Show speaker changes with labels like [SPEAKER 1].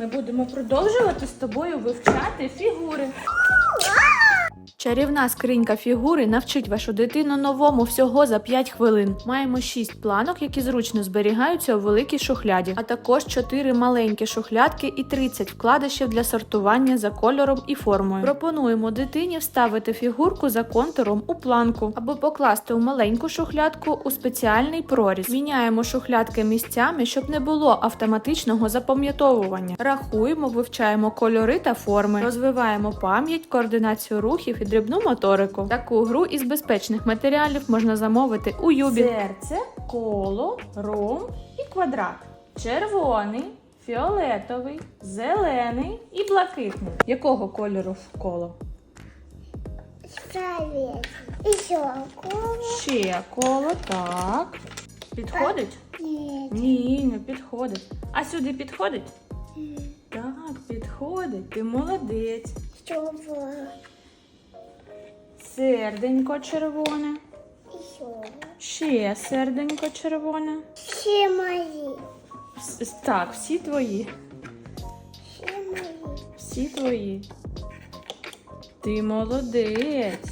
[SPEAKER 1] Ми будемо продовжувати з тобою вивчати фігури. Чарівна скринька фігури навчить вашу дитину новому всього за 5 хвилин. Маємо 6 планок, які зручно зберігаються у великій шухляді, а також 4 маленькі шухлядки і 30 вкладишів для сортування за кольором і формою. Пропонуємо дитині вставити фігурку за контуром у планку або покласти у маленьку шухлядку у спеціальний проріз. Міняємо шухлядки місцями, щоб не було автоматичного запам'ятовування. Рахуємо, вивчаємо кольори та форми, розвиваємо пам'ять, координацію рухів і дрібну моторику. Таку гру із безпечних матеріалів можна замовити у Юбі. Серце, коло, ромб і квадрат. Червоний, фіолетовий, зелений і блакитний. Якого кольору коло?
[SPEAKER 2] Правильно. Еще коло.
[SPEAKER 1] Ще коло, так. Підходить?
[SPEAKER 2] Нет.
[SPEAKER 1] Ні, не підходить. А сюди підходить? Так, підходить. Ти молодець.
[SPEAKER 2] Чтобы
[SPEAKER 1] Серденько червоне.
[SPEAKER 2] еще.
[SPEAKER 1] Ще серденько червоне.
[SPEAKER 2] Все мои.
[SPEAKER 1] Так, всі твої.
[SPEAKER 2] Все мои.
[SPEAKER 1] Всі твої. Ти молодець.